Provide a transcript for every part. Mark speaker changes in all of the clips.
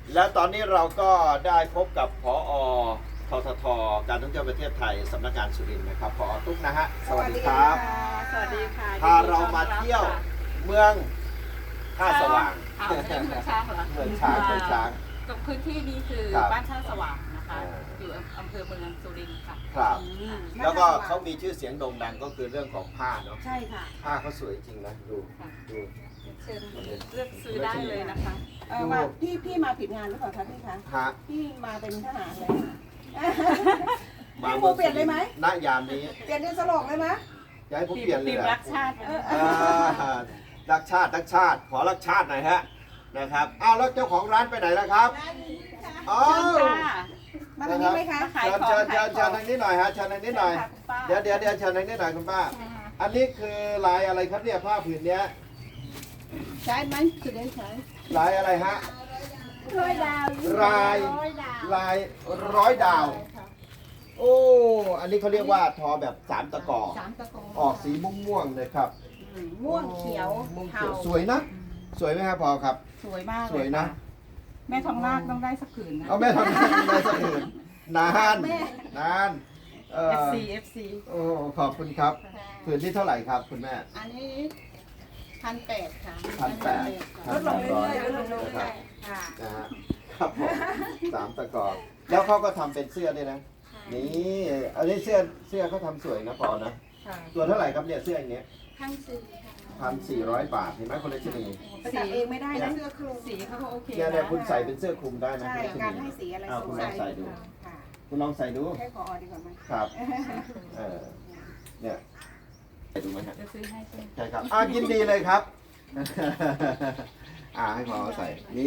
Speaker 1: แล้วตอนนี้เราก็ได้พบกับผอ.ททท.การท่องเที่ยวประเทศไทยสำนักงานสุรินทร์นะครับผอ.ตุ๊กนะฮะสวัสดีครับ
Speaker 2: สวัสดีค่ะ
Speaker 1: พาเรามาเที่ยวเมืองท่าสว่าง
Speaker 2: เมืองช้างเหรอ
Speaker 1: เมืองช้างเมืองช้าง
Speaker 2: ตรงพื้นที่นี้คือ
Speaker 1: ครับ
Speaker 2: บ้านท่าสว่างนะคะอยู่อำเภอเมืองสุรินทร์ค่ะ
Speaker 1: ครับ
Speaker 2: อืม
Speaker 1: แล้วก็เขามีชื่อเสียงโด่งดังก็คือเรื่องของผ้าเนาะ
Speaker 2: ใช่ค่ะ
Speaker 1: ผ้าเขาสวยจริงนะดูดู
Speaker 2: เชิญเลือกซื้อได้เลยนะคะ
Speaker 3: มาพี่มาผิดงานหรือเปล่าคะพี่คะ
Speaker 1: ฮะ
Speaker 3: พี่มาเป็นทหารเลย
Speaker 1: มา
Speaker 3: พี่ปูเปลี่ยนเลยไหม
Speaker 1: ณยามนี้
Speaker 3: เปลี่ยนเดือนสลกเลยไหม
Speaker 1: จะให้ผมเปลี่ยนเลย
Speaker 2: ทีม
Speaker 1: เหรอ
Speaker 2: รักชาติ
Speaker 1: รักชาติรักชาติขอรักชาติหน่อยฮะนะครับอ้าวแล้วเจ้าของร้านไปไหนแล้วครับอ๋อ
Speaker 2: เชิญค่ะ
Speaker 3: มาทางนี้ไหมคะ
Speaker 2: ขาย
Speaker 1: เชิญ
Speaker 2: ของ
Speaker 1: เชิญเชิญทางนี้หน่อยฮะเชิญทางนี้หน่อย
Speaker 2: ค่ะคุณป้า
Speaker 1: เดี๋ยวเชิญทางนี้หน่อยคุณป้า อันนี้คือลายอะไรครับเนี่ยผ้าผืนเนี้ย
Speaker 3: ใช้ไหมสุดเด่นใช้
Speaker 1: ลายอะไรฮะ
Speaker 3: ร้อยดาว
Speaker 1: ลายลายร้อยดาว โอ้อันนี้เขาเรียกว่าทอแบบสามตะกอ
Speaker 3: สามตะโก
Speaker 1: ออกสีม่วงๆเลยครับ
Speaker 3: ม่วงเขียว
Speaker 1: ม่วง
Speaker 3: เทา
Speaker 1: เขียวสวยนะ สวยไหมครับพอครับ
Speaker 2: สวยมาก
Speaker 1: สวยนะ
Speaker 2: แม่ทองนาคต้องได้สักผืนนะ
Speaker 1: เอาแม่ทำได้สักอื่นนานนาน
Speaker 2: FC FC
Speaker 1: โอ้ขอบคุณครับผืนที่เท่าไหร่ครับคุณแม่
Speaker 3: อันนี้1,800 ค่ะ
Speaker 1: 1,800
Speaker 3: ลดลงเรื่อยๆลดลง
Speaker 1: ค
Speaker 3: เรื่
Speaker 1: รั
Speaker 3: อบ ยๆค่ะ
Speaker 1: นะฮะครับผมสามตะกอแล้วเขาก็ทำเป็นเสื้อด้วยนะ นี่อันนี้เสื้อเขาทำสวยนะปอนะ
Speaker 3: ค่ะ
Speaker 1: ตัวเท่าไหร่ครับเนี่ยเสื้ออย่างเงี้ย
Speaker 3: 1,400
Speaker 1: 1,400 บาทเห็นไหมคนละชนี
Speaker 3: ไปตัดเองไม่ได้นะเสื้อคลุม
Speaker 2: สีเขาก็โอเค
Speaker 1: เนี่ยคุณใส่เป็นเสื้อคลุมได้นะ
Speaker 3: ใช่
Speaker 1: คุณละช
Speaker 3: การ
Speaker 1: นี
Speaker 3: ให้สีอะไร
Speaker 1: เอาคุณลองใส่ดู
Speaker 3: ค่ะ
Speaker 1: คุณลองใส่ดู
Speaker 3: ให้พอดีกว่าไหม
Speaker 1: ครับเนี่ยใส่ดูไหมฮะ
Speaker 2: จะซื้อให้ใช่ไหม
Speaker 1: ใช่ครับยินดีเลยครับ ให้พอใส่ นี่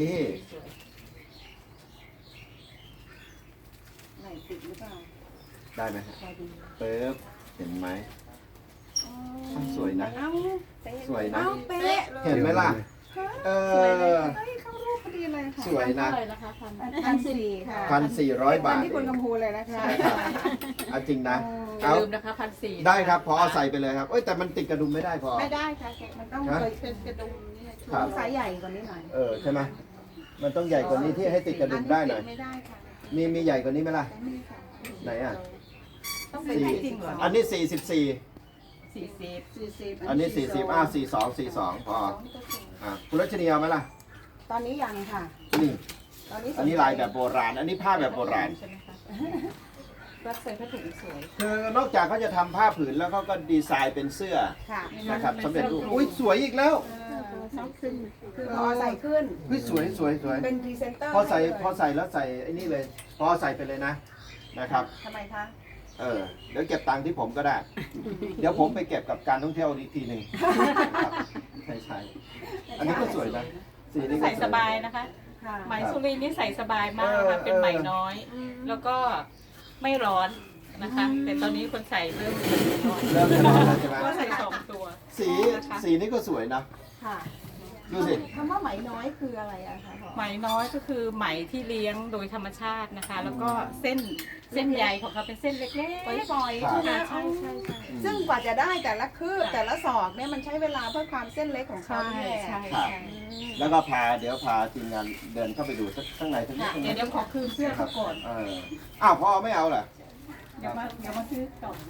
Speaker 3: ไหนติดหรือเปล่า
Speaker 1: ได้ไหมฮะ
Speaker 3: พอดี
Speaker 1: ปึ๊บเห็นไหม สวยนะ
Speaker 3: เอ้า
Speaker 1: สวยนะ
Speaker 3: เอ้าเป๊ะเลย
Speaker 1: เห็นไหมล่ะ เออ
Speaker 3: เฮ้ยเข้ารูปพอดีเลยค่ะ
Speaker 1: สวยนะ
Speaker 2: เท่าไหร่นะคะพัน
Speaker 3: 1,400 ค่ะ
Speaker 1: 1,400 บาท
Speaker 3: ที่คุณกำพูเลยนะคะ
Speaker 1: ใช่ครับเอาจริงนะ
Speaker 2: อย่า
Speaker 1: เอา
Speaker 2: ลืมนะคะ1,400
Speaker 1: ได้ครับ พอใส่ไปเลยครับเอ้ยแต่มันติดกระดุมไม่ได้พอ
Speaker 3: ไม่ได้ค่ะมันต้อง
Speaker 1: ฮะ
Speaker 3: เลยเป็นกระดุมนี่
Speaker 1: ครับ
Speaker 3: ไซส์ใหญ่กว่านี้หน่อย
Speaker 1: ใช่ไหมมันต้องใหญ่กว่านี้ที่ให้ติดกระดุมได้หน่อย
Speaker 3: ไม่ได้ค่ะ
Speaker 1: มีใหญ่กว่านี้ไหมล่ะ
Speaker 3: ไม่ค่ะ
Speaker 1: ไหนอ่ะ
Speaker 2: ต้องเป็นให้จริงเหรอ
Speaker 1: อันนี้ 44
Speaker 2: 40
Speaker 1: อันนี้ 40 42 พอคุณรัชนีเอาไหมล่ะ
Speaker 3: ตอนนี้ยังค่ะ
Speaker 1: นี่
Speaker 3: ตอนนี้
Speaker 1: อันนี้ลายแบบโบราณ อันนี้ผ้าแบบโบราณ
Speaker 2: ใช่ไหมคะรัดใส่ผ้าถุงสวย
Speaker 1: คือนอกจากเขาจะทำผ้าผืนแล้วเขาก็ดีไซน์เป็นเสื้อ
Speaker 3: ค่ะ
Speaker 1: นะครับสำเร็จรูปอุ้ยสวยอีกแล้ว
Speaker 3: คือพอใส่ขึ้น
Speaker 1: เฮ้ยสวย
Speaker 3: เป็นพรีเซนเตอร์
Speaker 1: พอใส่
Speaker 3: ให้เลย
Speaker 1: พอใส่แล้วใส่ไอ้นี่เลย พอใส่ไปเลยนะครับ
Speaker 3: ทำไมคะ
Speaker 1: เดี๋ยวเก็บตังค์ที่ผมก็ได้ เดี๋ยวผมไปเก็บกับการท่องเที่ยวอีกทีหนึ่งครับใช่ อันนี้ก็สวยนะสีนี้ก็
Speaker 2: ใส่
Speaker 1: ว
Speaker 2: สบายนะคะ
Speaker 3: ค่ะ
Speaker 2: ไหมสุรินทร์นี่ใส่สบายมากนะคะเป็นไหมน้อย แล้วก็ไม่ร้อนนะคะ แต่ตอนนี้คนใส่เริ่มร้อน
Speaker 1: เริ่มจะร้อนแล้วใช่ไหม
Speaker 2: ก็ใส่2 ตัว
Speaker 1: สีนี้ก็สวยนะ
Speaker 3: ค่ะ
Speaker 1: ดูสิ
Speaker 3: คำว่าไหมน้อยคืออะไรอะคะ
Speaker 2: ไหมน้อยก็คือไหมที่เลี้ยงโดยธรรมชาตินะคะ แล้วก็เส้นใยของเขาเป็นเส้นเล็กๆ
Speaker 3: ปล่อย
Speaker 1: ครับ
Speaker 3: ใช่ไหม
Speaker 2: ใช่ใช่ใช่
Speaker 3: ซึ่งกว่าจะได้แต่ละคืบแต่ละศอกเนี่ยมันใช้เวลาเพื่อความเส้นเล็กของเขา
Speaker 2: ใช่
Speaker 3: เนี่ย
Speaker 2: ใช่
Speaker 1: ครับ
Speaker 2: ใช่
Speaker 1: แล้วก็เดี๋ยวพาทีมงานเดินเข้าไปดูสักข้างในทั้งนี้
Speaker 2: เดี๋ยวขอคืนเสื้อเขาก่อน
Speaker 1: อ้าวพ่อไม่เอาเหรอ
Speaker 2: เดี๋ยวมาซื้อก่อน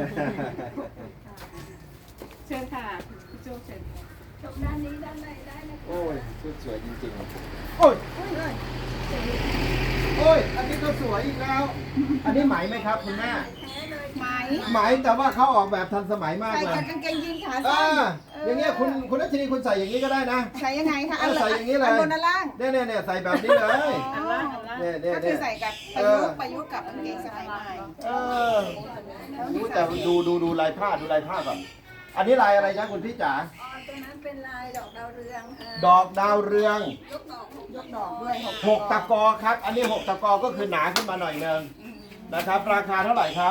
Speaker 2: เชิญค่ะพี่โจ้เชิญ
Speaker 3: ด้านนี้ด้านในได้เลย
Speaker 1: โอ้ยชุดสวยจริงๆ โอ้ย โอ้ย อันนี้ก็สวยอีกแล้ว อันนี้ไหมไหมครับคุณแม่
Speaker 3: ไหม
Speaker 1: ไหมแต่ว่าเขาออกแบบทันสมัยมาก
Speaker 3: ใส่
Speaker 1: เลย
Speaker 3: กับกางเกงยีนขา
Speaker 1: อ่า
Speaker 3: สั้น
Speaker 1: อย่างเงี้ยคุณรัชนีคุณใส่อย่างนี้ก็ได้นะ
Speaker 3: ใส่ยังไงคะ
Speaker 1: ใส่อย่างนี้เลย
Speaker 3: บนอันล่าง
Speaker 1: เนี่ยใส่แบบนี้เลย
Speaker 2: อันล่างอันล่าง
Speaker 1: เนี่ย
Speaker 3: ก็คือใส่กับประยุกต์กับกางเกงสมัยใหม่
Speaker 1: เอออู้แต่ดูลายผ้าก่อนอันนี้ลายอะไรจ๊ะคุณพี่จ๋า
Speaker 3: ตัวนั้นเป็นลายดอกดาวเรืองค่ะ
Speaker 1: ดอกดาวเรือง
Speaker 3: ยกดอกด้วย
Speaker 1: 6 ตะกอครับ อันนี้ 6 ตะกอก็คือหนาขึ้นมาหน่อยนึงนะครับ ราคาเท่าไหร่ครับ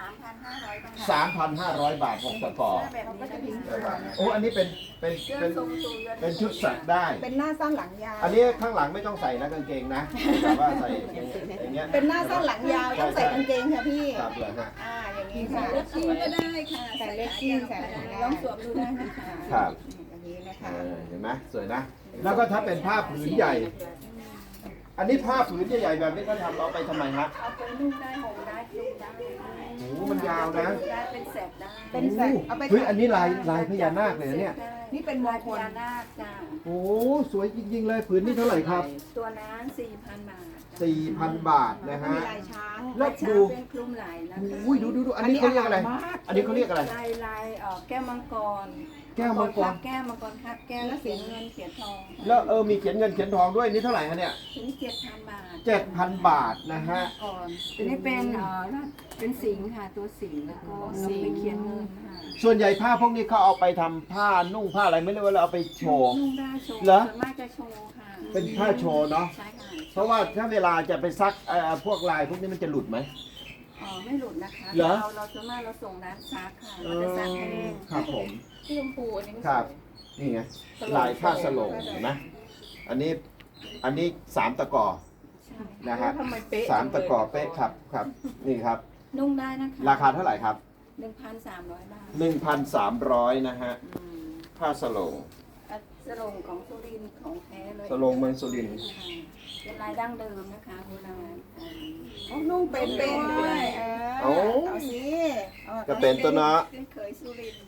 Speaker 3: 3,500 บาท
Speaker 1: 3,500 บาท 6 ตะกอ
Speaker 3: แบบนี้ก็จะทิ้ง
Speaker 1: โอ้อันนี้เป็นชุดสักได้
Speaker 3: เป็นหน้าสั้นหลังยาว
Speaker 1: อันนี้ข้างหลังไม่ต้องใส่นะกางเกงนะแต่ว่าใส่อย่างเงี้ย
Speaker 3: เป็นหน้าสั้นหลังยาวต้องใส่กางเกงค่ะพี่
Speaker 1: ครับเลยฮะ
Speaker 3: อย่างนี้ค่ะ
Speaker 2: เลกกิ้งก็ได้
Speaker 3: ใส่เลกกิ้งใส่อะไรได้ลองสวมดูได้นะคะ
Speaker 1: ครับ
Speaker 3: อย่างนี้นะคะ
Speaker 1: เห็นไหมสวยนะ แล้วก็ถ้าเป็นผ้าผืนใหญ่ ออันนี้ผ้าผืนใหญ่ๆแบบนี้เขาทำเอาไปทำไมฮะ
Speaker 4: เอาไปนุ่งได้ห่มได้คลุมได้
Speaker 1: โอ้โหมันยาวนะ
Speaker 4: ได้เป็นแสกได้
Speaker 3: เป็นแสกเอาไป
Speaker 1: เฮ้ยอันนี้ลายพญานาคเลยนะเนี่ย
Speaker 3: นี่เป็นม
Speaker 4: ลาย
Speaker 3: ง
Speaker 4: พ
Speaker 3: คล
Speaker 4: ญานาคจ้า
Speaker 1: โอ้สวยจริงๆเลยผืนนี้เท่าไหร่ครับ
Speaker 4: ตัวนั้น4,000 บาท
Speaker 1: 4,000 บาทนะฮะ
Speaker 3: มีลายช้าง
Speaker 1: แล้ว
Speaker 4: ช้า
Speaker 1: ดู
Speaker 4: เป็นคลุมไหล่นะคะ
Speaker 1: อุ้ยดูอันนี้เขาเรียกอะไร อันนี้เขาเรียกอะไร
Speaker 4: ลายแก้วมังกร
Speaker 1: แก้วมังกร
Speaker 4: แก้วมังกรครับแก้วแล้วเขียนเงินเขียนทอง
Speaker 1: แล้วมีเขียนเงินเขียนทองด้วยนี่เท่าไหร่ฮะเนี่ย
Speaker 4: ถึง7,000 บาท
Speaker 1: 7,000 บาทนะฮะ
Speaker 4: ก่อนอันนี้เป็นสิงห์ค่ะตัวสิงห์แล้วก็เราไปเขียนเงินค่ะ
Speaker 1: ส่วนใหญ่ผ้าพวกนี้เขาเอาไปทำผ้านุ่งผ้าอะไรไม่รู้ว่าเราเอาไปโชว์
Speaker 4: นุ่งได้โชว์
Speaker 1: เหรอ
Speaker 4: ส่วนมากจะโชว์ค่ะ
Speaker 1: เป็นผ้าโชว์เนาะ
Speaker 4: ใช่ค่ะ
Speaker 1: เพราะว่าถ้าเวลาจะไปซักพวกลายพวกนี้มันจะหลุดไหม
Speaker 4: ไม่หลุดนะคะ
Speaker 1: เหรอ
Speaker 4: เราส่วนมากเราส่งร้านซักค่ะ
Speaker 1: เอ
Speaker 4: เรา
Speaker 1: อ
Speaker 4: จะซักให้
Speaker 1: ครับผม
Speaker 2: ที่ชมพูอันนี้มัน
Speaker 1: ครับ
Speaker 2: สวย
Speaker 1: นี่ไง
Speaker 2: สโลง
Speaker 1: ลายผ้าสโลงเห็นไหมอันนี้3 ตะกอ
Speaker 4: ใช่
Speaker 1: นะฮะ
Speaker 2: ทำไมเป๊ะ
Speaker 1: 3 ตะกอเป๊ะครับครับนี่ครับ
Speaker 4: นุ่งได้นะคะ
Speaker 1: ราคาเท่าไหร่ครับ
Speaker 4: 1,300 บาท
Speaker 1: 1,300นะฮะ
Speaker 4: อืม
Speaker 1: ผ้าสโลง
Speaker 4: สโลงของสุรินทร์ของแท้เลย
Speaker 1: สโลงเมืองสุรินทร์
Speaker 4: เป็นลายดั้งเดิมนะคะโบราณ
Speaker 3: อ๋อนุ่งเป็นด้วยเอาสิอา
Speaker 1: ก็เป็นตัวเนาะ
Speaker 4: เป็นเคยสุรินทร์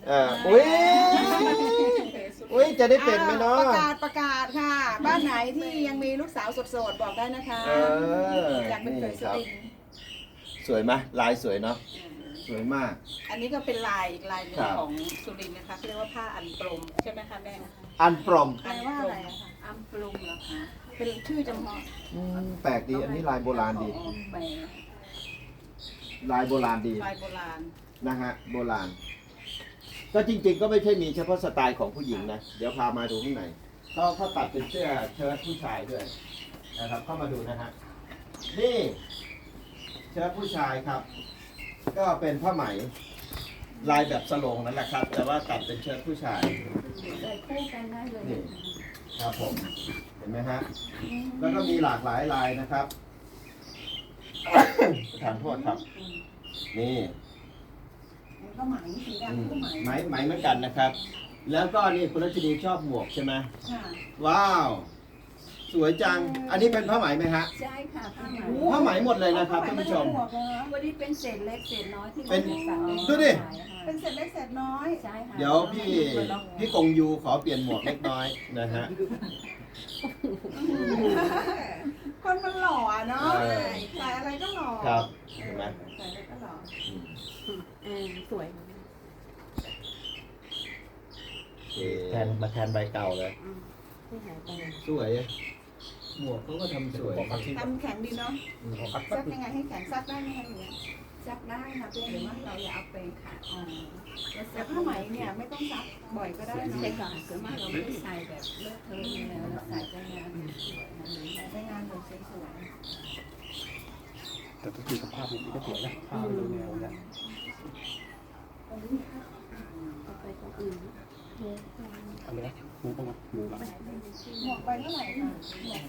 Speaker 1: อุ้ยจะได้เป็นไหมเนาะ
Speaker 3: ประกาศค่ะ บ้านไหนที่ยังมีลูกสาวโสดๆบอกได้นะคะ อยากเป็นเคยสุรินทร์
Speaker 1: สวยไหมลายสวยเนาะสวยมาก
Speaker 2: อันนี้ก็เป็นลายอีกลายหนึ่ง
Speaker 1: ครับ
Speaker 2: ของสุรินทร์นะคะเขาเรียกว่าผ้าอันปรมใช่ไหมคะแม่
Speaker 1: อันปรอม
Speaker 3: แปลว่าอะไรอะคะ
Speaker 4: อัมปรุงเหรอคะ
Speaker 3: เป็นชื่อจำเพาะ
Speaker 1: แปลกดีอันนี้ลายโบราณดี
Speaker 4: อ๋อแปลก
Speaker 1: ลายโบราณดี
Speaker 2: ลายโบราณ
Speaker 1: นะฮะโบราณ ก็จริงๆ ก็ไม่ใช่มีเฉพาะสไตล์ของผู้หญิงนะ เดี๋ยวพามาดูข้างในเขาตัดเป็นเสื้อเชิ้ตผู้ชายด้วยนะครับ เข้ามาดูนะฮะนี่เชิ้ตผู้ชายครับ ก็เป็นผ้าไหมลายแบบสโลงนั่นแหละครับ แต่ว่าตัดเป็นเชิ้ตผู้ชาย
Speaker 4: ใส่คู่กันได้เลย
Speaker 1: นี่ครับผมเห็นไหมฮะแล้วก็มีหลากหลายลายนะครับ ทานโทษครับ นี่
Speaker 3: มันก็ไหมสีดำก็ไหม
Speaker 1: ไหมเหมือนกันนะครับ แล้วก็นี่คุณรัชนีชอบหมวกใช่ไหม
Speaker 3: ค่ะ
Speaker 1: ว้าว สวยจัง อันนี้เป็นผ้าไหมไหมฮะ
Speaker 4: ใช่ค่ะผ้าไหม
Speaker 1: ผ้าไหมหมดเลยนะครับท่านผู้ชม
Speaker 4: วันนี้เป็นเศษเล็กเศษน้อยที่
Speaker 1: เป็น
Speaker 4: สั่ง
Speaker 1: ดูดิ
Speaker 3: เป็นเศษเล็กเศษน้อย
Speaker 4: ใช่ค่ะ
Speaker 1: เดี๋ยวพี่กงยูขอเปลี่ยนหมวกเล็กน้อยนะฮะ
Speaker 3: คนมันหล่ออะเนาะ
Speaker 1: เออ
Speaker 3: ใส่อะไรก็หล่อ
Speaker 1: ครับเห็นไหม
Speaker 3: ใส่อะไรก็หล่อ
Speaker 4: สวย
Speaker 1: แทนใบเก่าเลย สวย หมวกเขาก็ทำสวย
Speaker 3: ทำแข็งดีเนาะซักยังไงให้แข็งซักได้ไหมคะเนี่ย
Speaker 4: ซักได้ค่ะเพียงแต่ว่าเราอย่าเอาไปค่ะ
Speaker 3: แต่ผ้าไหมเนี่ยไม่ต้องซักบ่อยก็ได้เนอะ
Speaker 4: ใช่ค่ะส่วนมากเราไม่ได้ใส่แบบเลอะเทอะอยู่แล้วเราใส่ใจงานสวยๆนั่นเอง
Speaker 3: ใช้งานแบบสวย
Speaker 5: แต่ทุกทีสภาพมันก็สวยนะภาพมันแนวๆนะ
Speaker 4: เอาไปตรงอื่น
Speaker 5: อันนี้มูต้องมามูละ
Speaker 3: ๆหมวกใบเท่าไหร่คะ
Speaker 4: หมวก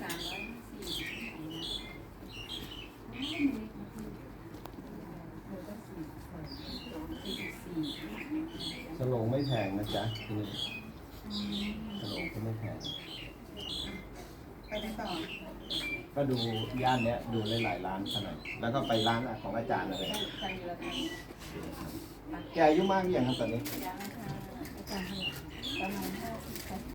Speaker 4: 340
Speaker 1: สโลงไม่แพงนะจ๊ะที่นี่สโลงก็ไม่แพง
Speaker 3: ไปไหนต่อ
Speaker 1: ก็ดูย่านเนี้ยดูหลายๆร้านขนาดแล้วก็ไปร้านของอาจารย์เลย
Speaker 4: ใส่ละกัน
Speaker 1: แกอายุมากหรือยังครับตอนนี้
Speaker 4: ยังค่ะอาจารย์ประมาณ50